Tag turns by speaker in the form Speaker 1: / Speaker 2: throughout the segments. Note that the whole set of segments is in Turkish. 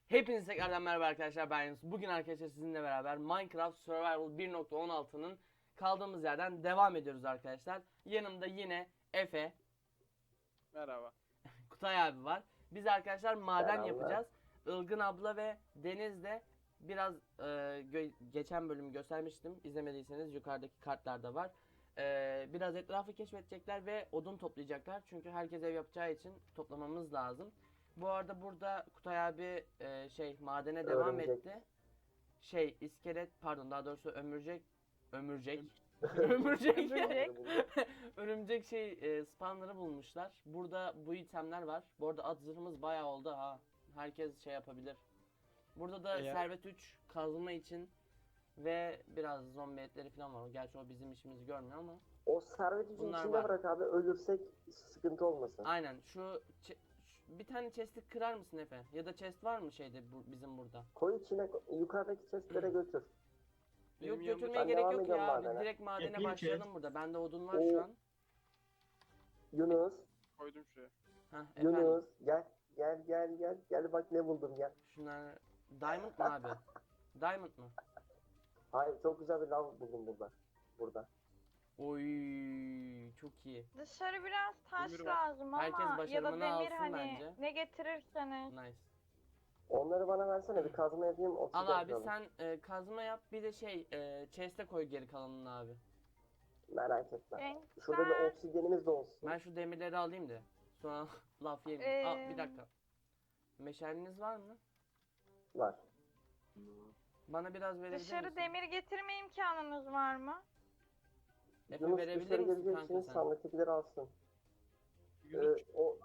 Speaker 1: Hepinize tekrardan merhaba arkadaşlar, ben Yunus. Bugün arkadaşlar sizinle beraber Minecraft Survival 1.16'nın kaldığımız yerden devam ediyoruz arkadaşlar. Yanımda yine Efe,
Speaker 2: Merhaba.
Speaker 1: Kutay abi var. Biz arkadaşlar maden
Speaker 3: Selamlar.
Speaker 1: yapacağız. Ilgın abla ve Deniz de biraz geçen bölümü göstermiştim. İzlemediyseniz yukarıdaki kartlarda var. Biraz etrafı keşfedecekler ve odun toplayacaklar. Çünkü herkes ev yapacağı için toplamamız lazım. Bu arada burada Kutay abi madene devam
Speaker 3: Örümcek.
Speaker 1: etti. İskelet, pardon, daha doğrusu ömürcek örümcek örümcek spawnları bulmuşlar. Burada bu itemler var. Bu arada at zırhımız bayağı oldu ha. Herkes şey yapabilir. Burada da
Speaker 2: Eğer-
Speaker 1: servet 3 kazma için ve biraz zombi etleri falan var. Gerçi o bizim işimizi görmüyor ama.
Speaker 3: O servet için
Speaker 1: Bunlar
Speaker 3: içinde
Speaker 1: var.
Speaker 3: bırak abi, ölürsek sıkıntı olmasın.
Speaker 1: Aynen bir tane chest'i kırar mısın Efe? Ya da chest var mı bizim burada?
Speaker 3: Koy içine, yukarıdaki chestlere götür.
Speaker 2: Benim
Speaker 1: Yok,
Speaker 2: yanımda
Speaker 1: götürmeye
Speaker 3: Ben
Speaker 1: gerek
Speaker 3: devam
Speaker 1: yok
Speaker 3: ediyorum
Speaker 1: ya. Biz
Speaker 3: madene.
Speaker 1: direkt madene
Speaker 2: Yapayım
Speaker 1: başlayalım
Speaker 2: chest.
Speaker 1: burada. Bende odun var
Speaker 3: Oo.
Speaker 1: şu an.
Speaker 3: Yunus,
Speaker 2: koydum şuraya.
Speaker 1: Heh, efendim.
Speaker 3: Yunus gel bak ne buldum gel.
Speaker 1: Şunlar diamond mı abi? Diamond mı?
Speaker 3: Hayır, çok güzel bir lav buldum burada.
Speaker 1: Oy, çok iyi.
Speaker 4: Dışarı biraz taş
Speaker 2: Demir var.
Speaker 4: lazım
Speaker 1: Herkes
Speaker 4: ama ya da
Speaker 1: başarımını
Speaker 4: demir
Speaker 1: alsın
Speaker 4: hani
Speaker 1: bence.
Speaker 4: ne getirirseniz.
Speaker 1: Nice.
Speaker 3: Onları bana versene, bir kazma yapayım, oksijen
Speaker 1: Al abi
Speaker 3: yapalım.
Speaker 1: sen kazma yap, bir de chest'e koy geri kalanını abi.
Speaker 3: Merak etme.
Speaker 4: En
Speaker 3: Şurada bir
Speaker 4: güzel.
Speaker 3: oksijenimiz de olsun.
Speaker 1: Ben şu demirleri alayım da sonra laf yemeyeyim. Aa, bir
Speaker 4: Ee,
Speaker 1: dakika. Meşaliniz var mı?
Speaker 3: Var.
Speaker 1: Bana biraz verebilir
Speaker 4: Dışarı
Speaker 1: misin?
Speaker 4: demir getirme imkanınız var mı?
Speaker 1: Efe,
Speaker 3: Yunus
Speaker 1: verebilir
Speaker 3: dışarı
Speaker 1: misin kanka
Speaker 3: geleceksiniz,
Speaker 1: sen?
Speaker 3: sandıktakileri alsın.
Speaker 2: Yunus
Speaker 3: O...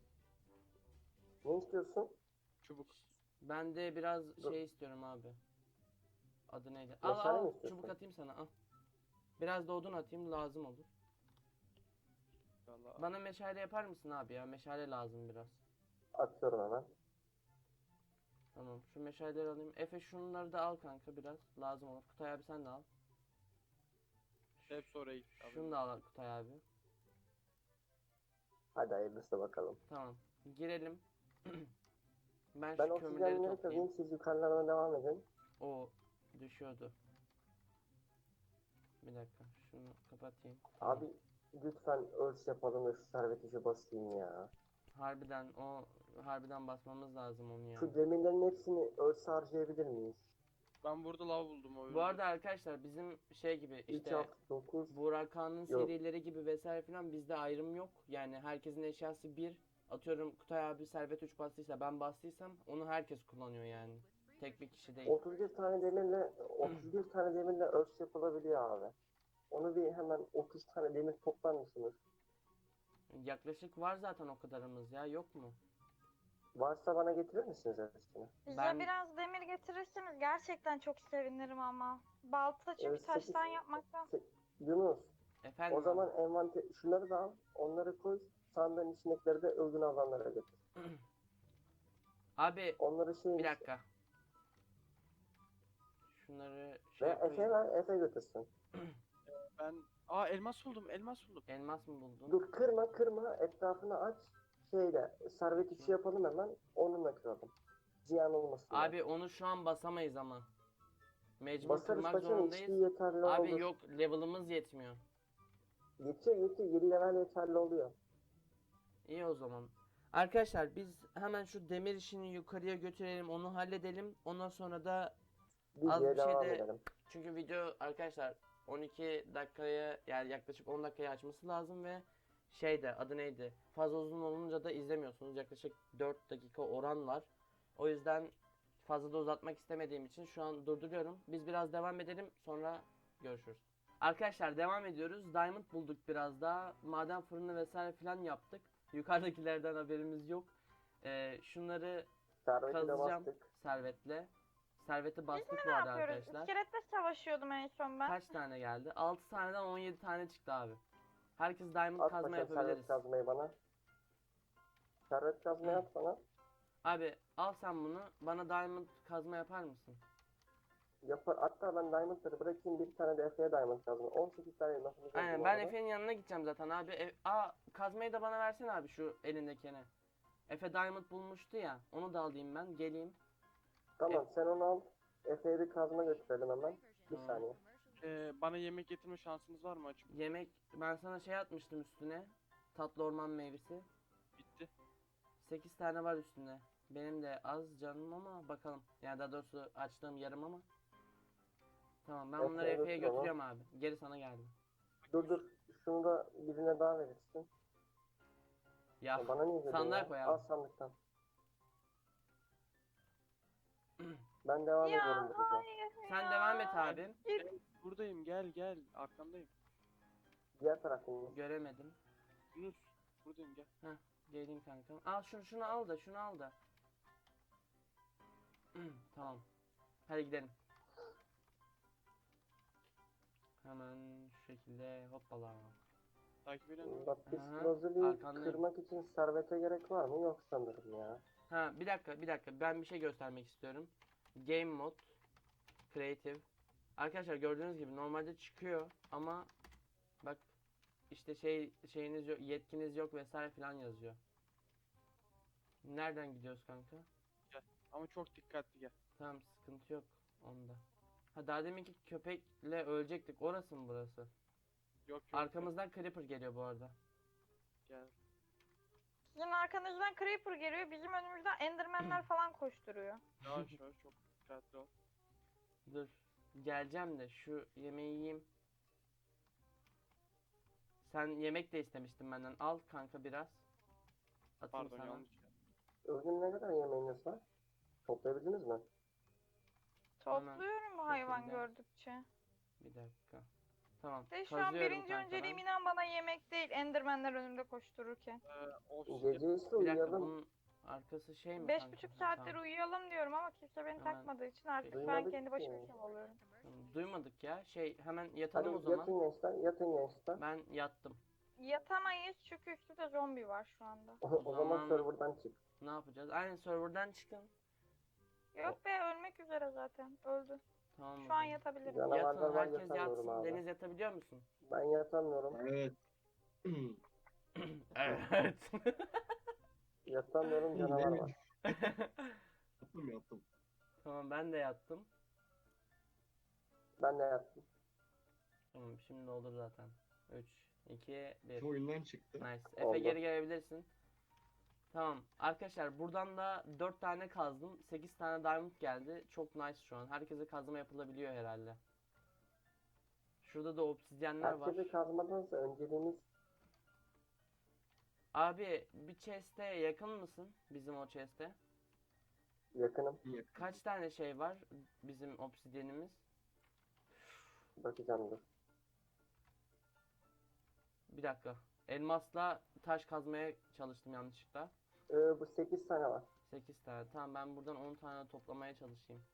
Speaker 3: Ne istiyorsun?
Speaker 2: çubuk.
Speaker 1: Ben de biraz
Speaker 3: Dur.
Speaker 1: istiyorum abi. Adı neydi? Al
Speaker 3: Meşale mi
Speaker 1: al,
Speaker 3: istiyorsun?
Speaker 1: çubuk atayım sana, al. Biraz da odun atayım, lazım olur.
Speaker 2: Vallahi.
Speaker 1: Bana meşale yapar mısın abi ya? Meşale lazım biraz.
Speaker 3: Atıyorum hemen.
Speaker 1: Tamam, şu meşaleleri alayım. Efe, şunları da al kanka, biraz lazım olur. Kutay abi sen de al.
Speaker 2: Hepsi oraya gitti.
Speaker 1: Şunu da al Kutay abi.
Speaker 3: Hadi hayırlısı bakalım.
Speaker 1: Tamam, girelim. Ben
Speaker 3: Ben
Speaker 1: şu kömürleri
Speaker 3: oksijenleri
Speaker 1: toplayayım.
Speaker 3: kazayım, siz yukarılarına devam edin.
Speaker 1: O düşüyordu. Bir dakika, şunu kapatayım.
Speaker 3: Abi lütfen örs yapalım da şu servet işi basayım ya.
Speaker 1: Harbiden basmamız lazım onu ya.
Speaker 3: Şu demirlerin hepsini örse harcayabilir miyiz?
Speaker 2: Ben burada lav buldum o
Speaker 1: Bu
Speaker 2: yüzden.
Speaker 1: arada arkadaşlar bizim gibi
Speaker 3: 3,
Speaker 1: işte
Speaker 3: 6, 9.
Speaker 1: Burak Kağan'ın
Speaker 3: Yok.
Speaker 1: serileri gibi vesaire filan bizde ayrım yok. Yani herkesin eşyası bir. Atıyorum Kutay abi servet 3 bastıysa, ben bastıysam onu herkes kullanıyor yani. Tek bir kişi değil.
Speaker 3: 31 tane demirle örs yapılabiliyor abi. Onu bir hemen 30 tane demir toplar mısınız?
Speaker 1: Yaklaşık var zaten o kadarımız ya, yok mu?
Speaker 3: Varsa bana getirir misiniz örsünü?
Speaker 4: Bize
Speaker 1: Ben-
Speaker 4: biraz demir getirirseniz gerçekten çok sevinirim ama. Balta çünkü
Speaker 3: sekiz-
Speaker 4: taştan yapmaktan.
Speaker 3: Yunus,
Speaker 1: Efendim
Speaker 3: o
Speaker 1: abi?
Speaker 3: zaman şunları da al, onları koy, sandığın içindekileri de ölgün alanlara götür.
Speaker 1: Abi
Speaker 3: Onları
Speaker 1: bir dakika. Şunları
Speaker 3: Ve Efe
Speaker 1: koyayım.
Speaker 3: ver, Efe götürsün.
Speaker 2: Ben elmas buldum.
Speaker 1: Elmas mı buldun?
Speaker 3: Dur, kırma, etrafını aç. Servet işi yapalım hemen, onunla kıralım. Ziyan olmasın.
Speaker 1: Abi onu şu an basamayız ama. Mecbur
Speaker 3: Basarız
Speaker 1: kırmak
Speaker 3: paşam,
Speaker 1: zorundayız.
Speaker 3: içtiği yeterli
Speaker 1: Abi
Speaker 3: olur.
Speaker 1: yok, level'ımız yetmiyor.
Speaker 3: Yetiyor, 7 level yeterli oluyor.
Speaker 1: İyi o zaman. Arkadaşlar biz hemen şu demir işini yukarıya götürelim, onu halledelim. Ondan sonra da Az
Speaker 3: Videoya
Speaker 1: bir şey
Speaker 3: devam
Speaker 1: de-
Speaker 3: edelim.
Speaker 1: çünkü video arkadaşlar 12 dakikaya, yani yaklaşık 10 dakikaya açması lazım ve adı neydi? Fazla uzun olunca da izlemiyorsunuz. Yaklaşık 4 dakika oran var. O yüzden fazla da uzatmak istemediğim için şu an durduruyorum. Biz biraz devam edelim, sonra görüşürüz. Arkadaşlar devam ediyoruz. Diamond bulduk biraz daha. Maden fırını vesaire filan yaptık. Yukarıdakilerden haberimiz yok. Şunları
Speaker 3: Serveti de
Speaker 1: kazacağım
Speaker 3: bastık.
Speaker 1: servetle. Serveti bastık
Speaker 4: Ne
Speaker 1: bu arada
Speaker 4: yapıyoruz?
Speaker 1: arkadaşlar.
Speaker 4: İskeletle savaşıyordum en son ben.
Speaker 1: Kaç tane geldi? 6 taneden 17 tane çıktı abi. Herkes diamond
Speaker 3: At
Speaker 1: kazma
Speaker 3: paşam servet
Speaker 1: yapabiliriz.
Speaker 3: kazmayı bana. Servet kazmayı at bana.
Speaker 1: Abi al sen bunu. Bana diamond kazma yapar mısın?
Speaker 3: Yapar. Hatta ben diamondları bırakayım, bir tane de Efe'ye diamond kazma. 18 tane elmasımız
Speaker 1: Aynen,
Speaker 3: oldu
Speaker 1: ben
Speaker 3: bu arada.
Speaker 1: Efe'nin yanına gideceğim zaten abi. Kazmayı da bana versene abi, şu elindekini. Efe diamond bulmuştu ya. Onu da alayım ben. Geleyim.
Speaker 3: Tamam sen onu al. Efe'ye bir kazma götürelim hemen. Bir
Speaker 1: Tamam.
Speaker 3: saniye.
Speaker 2: Bana yemek getirme şansınız var mı açık?
Speaker 1: Yemek ben sana şey atmıştım üstüne. Tatlı orman meyvesi.
Speaker 2: Bitti.
Speaker 1: 8 tane var üstünde. Benim de az canım ama bakalım. Yani daha doğrusu açtığım yarım ama. Tamam ben bunları
Speaker 3: Efe'ye
Speaker 1: Efe'ye
Speaker 3: götür onu.
Speaker 1: götürüyorum abi. Geri sana geldim.
Speaker 3: Dur. Şunu da birine daha verirsin.
Speaker 1: Ya
Speaker 3: Ya bana niye veriyorsun
Speaker 1: sandığa
Speaker 3: ya?
Speaker 1: koy
Speaker 3: Al
Speaker 1: abi.
Speaker 3: sandıktan. Ben devam
Speaker 4: Ya
Speaker 3: ediyorum burada.
Speaker 4: hayır
Speaker 1: Sen
Speaker 4: ya.
Speaker 1: devam et abim.
Speaker 2: Buradayım, gel arkandayım.
Speaker 3: Diğer tarafın.
Speaker 1: Göremedim.
Speaker 2: Yunus buradayım, gel.
Speaker 1: Geleyim kankam. Al şunu al da şunu al da. Tamam. Hadi gidelim. Hemen şu şekilde hoppala.
Speaker 2: Takip edin.
Speaker 3: Lapis
Speaker 1: Aha,
Speaker 3: lazuli
Speaker 1: arkandayım.
Speaker 3: kırmak için servete gerek var mı? Yok sanırım ya.
Speaker 1: Ha bir dakika ben bir şey göstermek istiyorum. Game mod Creative. Arkadaşlar gördüğünüz gibi normalde çıkıyor ama bak işte şeyiniz yok, yetkiniz yok vesaire filan yazıyor. Nereden gidiyoruz kanka?
Speaker 2: Ama çok dikkatli gel.
Speaker 1: Tamam sıkıntı yok onda. Ha daha deminki köpekle ölecektik. Orası mı burası?
Speaker 2: Yok.
Speaker 1: Arkamızdan Creeper geliyor bu arada.
Speaker 2: Gel.
Speaker 4: Sizin arkanızdan Creeper geliyor. Bizim önümüzden Enderman'ler falan koşturuyor.
Speaker 2: Yavaş çok dikkatli ol.
Speaker 1: Dur. Geleceğim de şu yemeği yiyeyim. Sen yemek de istemiştin benden. Al kanka biraz. Atayım
Speaker 2: Pardon
Speaker 1: sana.
Speaker 2: yanlış.
Speaker 3: Bugün ne kadar yemeğiniz var? Toplayabildiniz mi?
Speaker 4: Topluyorum hayvan
Speaker 1: şekilde.
Speaker 4: gördükçe.
Speaker 1: Bir dakika. Tamam.
Speaker 4: De şu an
Speaker 1: kazıyorum
Speaker 4: birinci
Speaker 1: kanka
Speaker 4: önceliğim
Speaker 1: ben.
Speaker 4: inan bana yemek değil. Enderman'ler önümde koştururken.
Speaker 2: Obsidian.
Speaker 3: Gece ise
Speaker 1: Bir dakika
Speaker 3: uyuyalım.
Speaker 1: bunun arkası şey mi
Speaker 4: Beş
Speaker 1: kanka?
Speaker 4: buçuk
Speaker 1: Ha,
Speaker 4: saattir
Speaker 1: tamam.
Speaker 4: uyuyalım diyorum ama kimse beni
Speaker 1: Hemen
Speaker 4: takmadığı için artık ben
Speaker 3: Duymadık
Speaker 4: kendi başıma
Speaker 3: ki.
Speaker 4: işim oluyorum.
Speaker 1: Tamam, duymadık ya. Hemen
Speaker 3: Hadi
Speaker 1: yatalım o zaman.
Speaker 3: yatın gençler, yatın gençler.
Speaker 1: Ben yattım.
Speaker 4: Yatamayız çünkü üstünde zombi var şu anda.
Speaker 3: O zaman
Speaker 1: zaman-
Speaker 3: serverdan çık.
Speaker 1: Ne yapacağız? Aynen serverdan çıkın.
Speaker 4: Yok be ölmek üzere zaten. Öldü.
Speaker 1: Tamam o
Speaker 4: Şu an
Speaker 1: zaman.
Speaker 4: yatabilirim.
Speaker 3: Canavarlar
Speaker 1: Yatın
Speaker 3: var,
Speaker 1: herkes
Speaker 3: yatamıyorum
Speaker 1: yatsın.
Speaker 3: abi.
Speaker 1: Deniz yatabiliyor musun?
Speaker 3: Ben yatamıyorum.
Speaker 5: Evet.
Speaker 1: Evet.
Speaker 3: Yatamıyorum, canavar var.
Speaker 5: Yaptım.
Speaker 1: Tamam ben de yattım.
Speaker 3: Ben de yattım.
Speaker 1: Tamam şimdi olur zaten. 3, 2, 1.
Speaker 5: Şu oyundan çıktı.
Speaker 1: Nice. Efe
Speaker 3: Oldu.
Speaker 1: geri gelebilirsin. Tamam. Arkadaşlar buradan da 4 tane kazdım. 8 tane diamond geldi. Çok nice şu an. Herkese kazma yapılabiliyor herhalde. Şurada da obsidyenler var.
Speaker 3: Herkese kazmadansa önceliğimiz
Speaker 1: Abi bir chest'e yakın mısın? Bizim o chest'e.
Speaker 3: yakınım.
Speaker 1: Kaç tane şey var bizim obsidyenimiz?
Speaker 3: Bakacağım dur.
Speaker 1: Bir dakika. Elmasla taş kazmaya çalıştım yanlışlıkla.
Speaker 3: Bu 8 tane var.
Speaker 1: 8 tane. Tamam ben buradan 10 tane toplamaya çalışayım.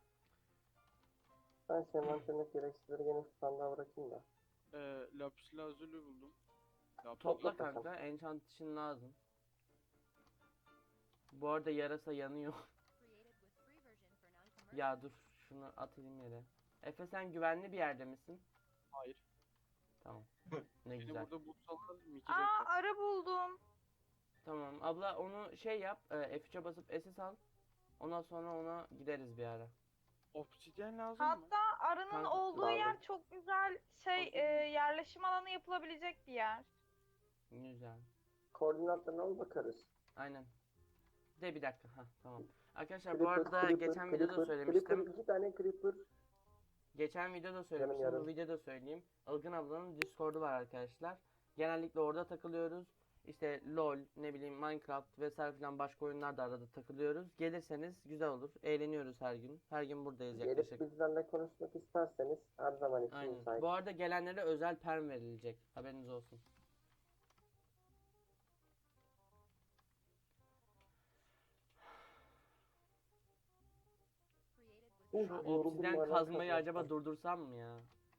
Speaker 3: Ben envanterindeki gereksizleri gene şu sandığa bırakayım da.
Speaker 2: Lapis lazuli buldum.
Speaker 1: Topla
Speaker 3: bakalım.
Speaker 1: kanka. Enchant için lazım. Bu arada yarasa yanıyor. Ya dur. Şunu atayım yere. Efe sen güvenli bir yerde misin?
Speaker 2: Hayır.
Speaker 1: Tamam. Ne
Speaker 2: Beni
Speaker 1: güzel.
Speaker 2: burada bulsalar mikecek.
Speaker 4: Aa arı buldum.
Speaker 1: Tamam. Abla onu şey yap. F3'e basıp SS al. Ondan sonra ona gideriz bir ara.
Speaker 2: Obsidyen lazım mı?
Speaker 4: Hatta arının
Speaker 1: Kanka,
Speaker 4: olduğu
Speaker 3: lazım.
Speaker 4: yer çok güzel yerleşim alanı yapılabilecek bir yer.
Speaker 1: Güzel.
Speaker 3: Koordinatlarına al bakarız.
Speaker 1: Aynen. De bir dakika. Ha tamam. Arkadaşlar bu
Speaker 3: Creeper,
Speaker 1: arada
Speaker 3: creeper,
Speaker 1: geçen videoda
Speaker 3: creeper,
Speaker 1: söylemiştim.
Speaker 3: Creeper, 2 tane creeper.
Speaker 1: Geçen videoda söylemiştim.
Speaker 3: yarım.
Speaker 1: Bu videoda söyleyeyim. Ilgın ablanın Discord'u var arkadaşlar. Genellikle orada takılıyoruz. İşte LoL, ne bileyim Minecraft vesaire filan başka oyunlarda arada takılıyoruz. Gelirseniz güzel olur. Eğleniyoruz her gün. Her gün buradayız
Speaker 3: Gelip
Speaker 1: yaklaşık.
Speaker 3: bizlerle konuşmak isterseniz her zaman için
Speaker 1: Aynen.
Speaker 3: müsait.
Speaker 1: Bu arada gelenlere özel perm verilecek. Haberiniz olsun. Şu
Speaker 3: Yoruldum
Speaker 1: obsidyen
Speaker 3: hala
Speaker 1: kazmayı
Speaker 3: kazmaktan.
Speaker 1: acaba durdursam mı ya?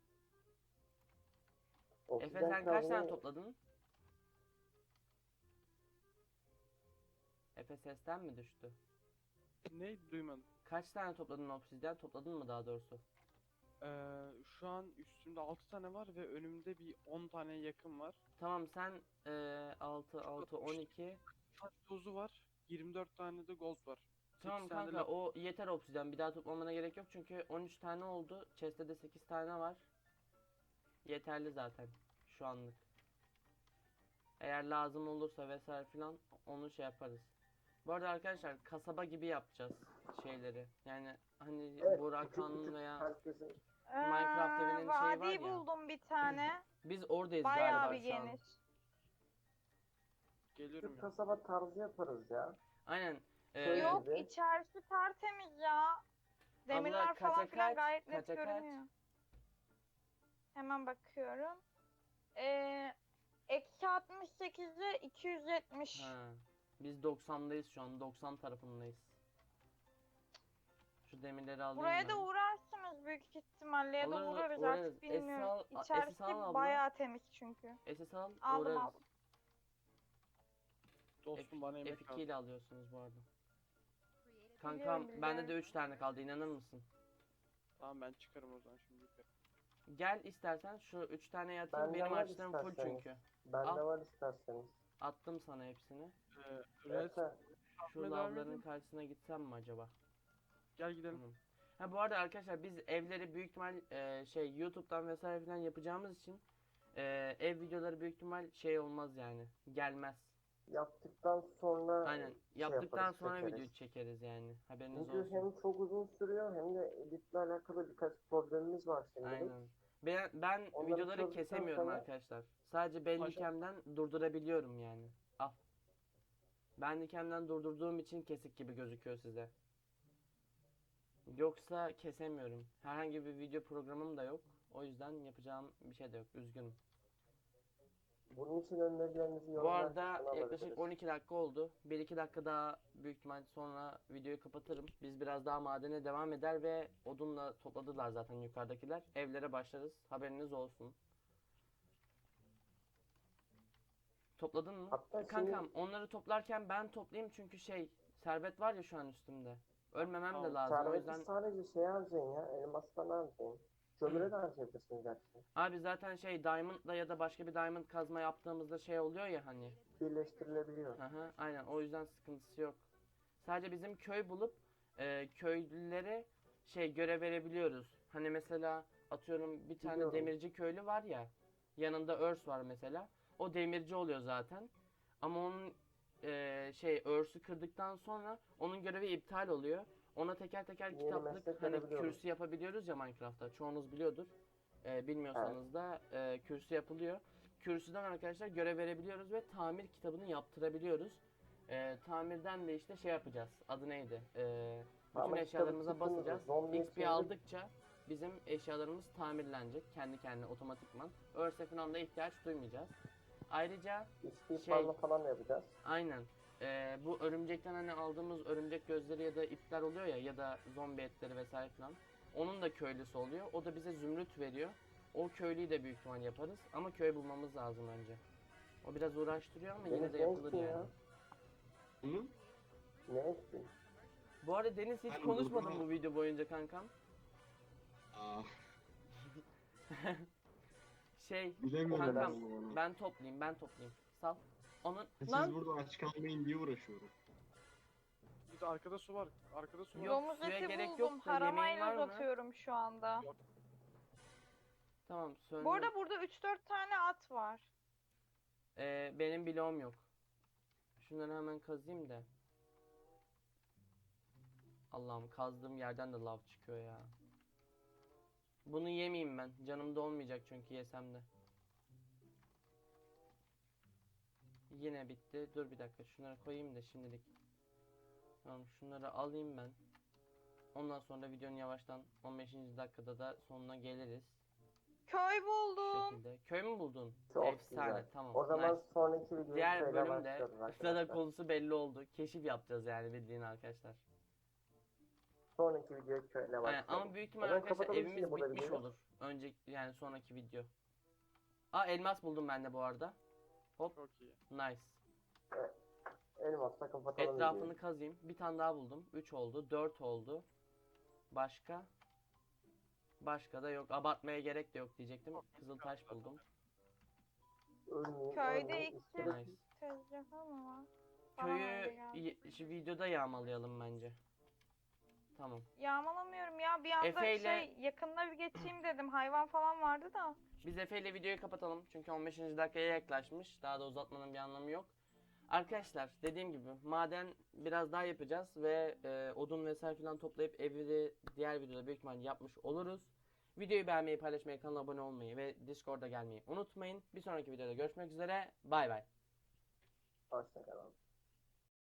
Speaker 1: Efe
Speaker 3: Obsidyen
Speaker 1: sen kaç tane
Speaker 3: kazmayı-
Speaker 1: topladın? Efe sesten mi düştü?
Speaker 2: Ne duymadım.
Speaker 1: Kaç tane topladın obsidyen? Topladın mı daha doğrusu?
Speaker 2: Şu an üstümde 6 tane var ve önümde bir 10 tane yakın var.
Speaker 1: Tamam sen 6, 12.
Speaker 2: Taş tozu var. 24 tane de gold var.
Speaker 1: Tamam
Speaker 2: tane de
Speaker 1: kanka o yeter obsidyen. Bir daha toplamana gerek yok çünkü 13 tane oldu. Chest'te de 8 tane var. Yeterli zaten şu anlık. Eğer lazım olursa vesaire filan onu şey yaparız. Bu arada arkadaşlar kasaba gibi yapacağız şeyleri. Yani hani
Speaker 3: Evet,
Speaker 1: Burak
Speaker 3: küçük
Speaker 1: Han'ın
Speaker 3: küçük
Speaker 1: veya
Speaker 3: herkesin
Speaker 1: Minecraft evinin şeyi var
Speaker 4: Vadi
Speaker 1: ya.
Speaker 4: buldum bir tane.
Speaker 1: Biz oradayız
Speaker 4: Bayağı
Speaker 1: galiba
Speaker 4: bir
Speaker 1: şu an.
Speaker 4: geniş.
Speaker 2: geliyorum
Speaker 3: küçük
Speaker 2: ya.
Speaker 3: kasaba tarzı yaparız ya.
Speaker 1: Aynen.
Speaker 3: Şöyle
Speaker 4: Yok
Speaker 3: bir-
Speaker 4: içerisi tertemiz ya. Demirler falan
Speaker 1: kaça
Speaker 4: filan
Speaker 1: kaç?
Speaker 4: gayet net
Speaker 1: Kaça kaç?
Speaker 4: görünüyor. Hemen bakıyorum. Eksi 68'e 270.
Speaker 1: Ha. Biz 90'dayız şu an. 90 tarafındayız. Şu demirleri alayım
Speaker 4: Buraya
Speaker 1: ben.
Speaker 4: da uğrarsınız büyük ihtimalle ya da
Speaker 1: Alırız,
Speaker 4: uğrarız
Speaker 1: uğrarız.
Speaker 4: artık bilmiyorum.
Speaker 1: SS
Speaker 4: İçerisi
Speaker 1: al abla.
Speaker 4: bayağı temiz çünkü.
Speaker 1: SS al,
Speaker 4: Aldım
Speaker 1: uğrarız.
Speaker 4: aldım.
Speaker 2: Dostum bana yemek
Speaker 1: F2
Speaker 2: lazım.
Speaker 1: ile alıyorsunuz bu arada.
Speaker 4: Biliyorum,
Speaker 1: Kankam bende de
Speaker 4: biliyorum.
Speaker 1: 3 tane kaldı, inanır mısın?
Speaker 2: Tamam ben çıkarım o zaman şimdi yukarı.
Speaker 1: Gel istersen şu 3 tane yatayım.
Speaker 3: Bende
Speaker 1: Benim
Speaker 3: var
Speaker 1: açtığım full
Speaker 3: isterseniz.
Speaker 1: çünkü.
Speaker 3: Bende
Speaker 1: Al.
Speaker 3: var isterseniz.
Speaker 1: Attım sana hepsini.
Speaker 2: Red
Speaker 3: Neyse,
Speaker 1: Şu
Speaker 2: devam
Speaker 1: lavların
Speaker 2: edin.
Speaker 1: karşısına gitsem mi acaba?
Speaker 2: Gel gidelim.
Speaker 1: Tamam. Ha bu arada arkadaşlar biz evleri büyük ihtimal şey YouTube'dan vesaire falan yapacağımız için ev videoları büyük ihtimal şey olmaz yani. Gelmez.
Speaker 3: yaptıktan sonra
Speaker 1: Aynen. Yaptıktan
Speaker 3: yaparız,
Speaker 1: sonra
Speaker 3: çekeriz.
Speaker 1: video çekeriz yani. Haberiniz
Speaker 3: Çünkü
Speaker 1: olsun.
Speaker 3: hem çok uzun sürüyor hem de editle alakalı birkaç problemimiz var şimdilik.
Speaker 1: Aynen. Ben
Speaker 3: Onları
Speaker 1: videoları
Speaker 3: çözdükten
Speaker 1: kesemiyorum
Speaker 3: sonra-
Speaker 1: arkadaşlar. Sadece Bandicam'den durdurabiliyorum yani. Al. Bandicam'den durdurduğum için kesik gibi gözüküyor size. Yoksa kesemiyorum. Herhangi bir video programım da yok. O yüzden yapacağım bir şey de yok. Üzgünüm.
Speaker 3: Bunun için önerilerinizi
Speaker 1: Bu
Speaker 3: yorumlar
Speaker 1: arada
Speaker 3: kısmına
Speaker 1: yaklaşık
Speaker 3: alabiliriz.
Speaker 1: 12 dakika oldu. 1-2 dakika daha büyük ihtimal sonra videoyu kapatırım. Biz biraz daha madene devam eder ve odunla topladılar zaten yukarıdakiler. Evlere başlarız. Haberiniz olsun. Topladın mı?
Speaker 3: Hatta şimdi-
Speaker 1: Kankam onları toplarken ben toplayayım çünkü şey servet var ya şu an üstümde. Ölmemem de
Speaker 2: Tamam,
Speaker 1: lazım o
Speaker 3: Serveti
Speaker 1: yüzden.
Speaker 3: sadece şey harcayın ya, elmastan harcayın. Kömüre de harcayabilirsiniz gerçi.
Speaker 1: Abi zaten şey diamondla ya da başka bir diamond kazma yaptığımızda şey oluyor ya hani.
Speaker 3: Birleştirilebiliyor.
Speaker 1: Aha, aynen o yüzden sıkıntısı yok. Sadece bizim köy bulup köylülere şey görev verebiliyoruz. Hani mesela atıyorum bir tane
Speaker 3: Biliyorum.
Speaker 1: demirci köylü var ya. Yanında örs var mesela. O demirci oluyor zaten. Ama onun şey örsü kırdıktan sonra onun görevi iptal oluyor. Ona teker teker
Speaker 3: Yeni
Speaker 1: kitaplık
Speaker 3: meslek
Speaker 1: hani
Speaker 3: verebiliyoruz.
Speaker 1: kürsü yapabiliyoruz ya Minecraft'ta. Çoğunuz biliyordur. Bilmiyorsanız da kürsü yapılıyor. Kürsüden arkadaşlar görev verebiliyoruz ve tamir kitabını yaptırabiliyoruz. Tamirden de işte şey yapacağız. Adı neydi? Bütün
Speaker 3: Ama
Speaker 1: eşyalarımıza
Speaker 3: kitabı tuttunuz,
Speaker 1: basacağız.
Speaker 3: zombiye
Speaker 1: XP
Speaker 3: çevirip-
Speaker 1: aldıkça bizim eşyalarımız tamirlenecek. Kendi kendine otomatikman. Örse falan da ihtiyaç duymayacağız. Ayrıca
Speaker 3: İçki
Speaker 1: şey-
Speaker 3: farmı falan da yapacağız.
Speaker 1: aynen. Bu örümcekten hani aldığımız örümcek gözleri ya da ipler oluyor ya ya da zombi etleri vesaire falan. Onun da köylüsü oluyor. O da bize zümrüt veriyor. O köylüyü de büyük ihtimal yaparız. Ama köy bulmamız lazım önce. O biraz uğraştırıyor ama yine
Speaker 3: Deniz
Speaker 1: de
Speaker 3: ne
Speaker 1: yapılır
Speaker 3: ettin
Speaker 1: yani.
Speaker 3: ya?
Speaker 5: Hı?
Speaker 3: Ne ettin?
Speaker 1: Bu arada Deniz hiç
Speaker 5: Ben
Speaker 1: konuşmadın
Speaker 5: burada-
Speaker 1: bu video boyunca kankam.
Speaker 5: Aa,
Speaker 1: Şey
Speaker 5: bilemiyorum
Speaker 1: kankam
Speaker 5: ben onu.
Speaker 1: ben toplayayım. Sal. Onun
Speaker 5: Siz
Speaker 1: lan
Speaker 5: burada aç kalmayın diye uğraşıyorum.
Speaker 2: Bir de arkada su var. Arkada su var.
Speaker 1: Yok,
Speaker 4: Domuz
Speaker 1: suya
Speaker 4: eti
Speaker 1: gerek
Speaker 4: buldum.
Speaker 1: yok da yemeğin var
Speaker 4: Haramayla
Speaker 1: mı?
Speaker 4: uzatıyorum şu anda.
Speaker 1: tamam söyle.
Speaker 4: Bu arada burada 3-4 tane at var.
Speaker 1: Benim bloğum yok. Şunları hemen kazayım da. Allah'ım kazdığım yerden de lav çıkıyor ya. Bunu yemeyeyim ben. Canımda olmayacak çünkü yesem de. Yine bitti. Dur bir dakika şunları koyayım da şimdilik. Tamam şunları alayım ben. Ondan sonra videonun yavaştan 15. dakikada da sonuna geliriz.
Speaker 4: Köy
Speaker 1: Şu
Speaker 4: buldum.
Speaker 1: şekilde. Köy mü buldun?
Speaker 3: Çok
Speaker 1: Efsane
Speaker 3: güzel.
Speaker 1: tamam.
Speaker 3: O zaman
Speaker 1: nice.
Speaker 3: sonraki videoyu
Speaker 1: Diğer
Speaker 3: şöyle
Speaker 1: bölümde
Speaker 3: başlıyoruz
Speaker 1: sırada
Speaker 3: arkadaşlar.
Speaker 1: konusu belli oldu. Keşif yapacağız yani bildiğin arkadaşlar.
Speaker 3: Sonraki videoyu şöyle
Speaker 1: Aynen,
Speaker 3: başlıyoruz.
Speaker 1: ama büyük ihtimal
Speaker 3: O zaman
Speaker 1: arkadaşlar
Speaker 3: kapatalım şimdi
Speaker 1: evimiz
Speaker 3: burada
Speaker 1: bitmiş
Speaker 3: videoyu.
Speaker 1: olur. Önceki yani sonraki video. Aa elmas buldum ben de bu arada.
Speaker 2: Çok iyi.
Speaker 1: Nice.
Speaker 3: Elmasla kapatalım
Speaker 1: Etrafını
Speaker 3: videoyu.
Speaker 1: kazayım. Bir tane daha buldum. 3 oldu. 4 oldu. Başka? Başka da yok. Abartmaya gerek de yok diyecektim. Kızıl taş buldum.
Speaker 3: Ölmeyin,
Speaker 4: Köyde
Speaker 3: ölmeyin.
Speaker 4: iki
Speaker 3: İskelet-
Speaker 1: Nice.
Speaker 4: tezgahı mı var? Bana öyle
Speaker 1: Köyü
Speaker 4: geldi.
Speaker 1: şu videoda yağmalayalım bence. Tamam.
Speaker 4: Yağmalamıyorum ya. Bir anda
Speaker 1: Efe ile-
Speaker 4: yakında bir geçeyim dedim. Hayvan falan vardı da.
Speaker 1: Biz Efe ile videoyu kapatalım. Çünkü 15. dakikaya yaklaşmış. Daha da uzatmanın bir anlamı yok. Arkadaşlar dediğim gibi maden biraz daha yapacağız ve odun vesaire falan toplayıp evi de diğer videoda büyük ihtimalle yapmış oluruz. Videoyu beğenmeyi, paylaşmayı, kanala abone olmayı ve Discord'a gelmeyi unutmayın. Bir sonraki videoda görüşmek üzere. Bay bay.
Speaker 3: Hoşçakalın.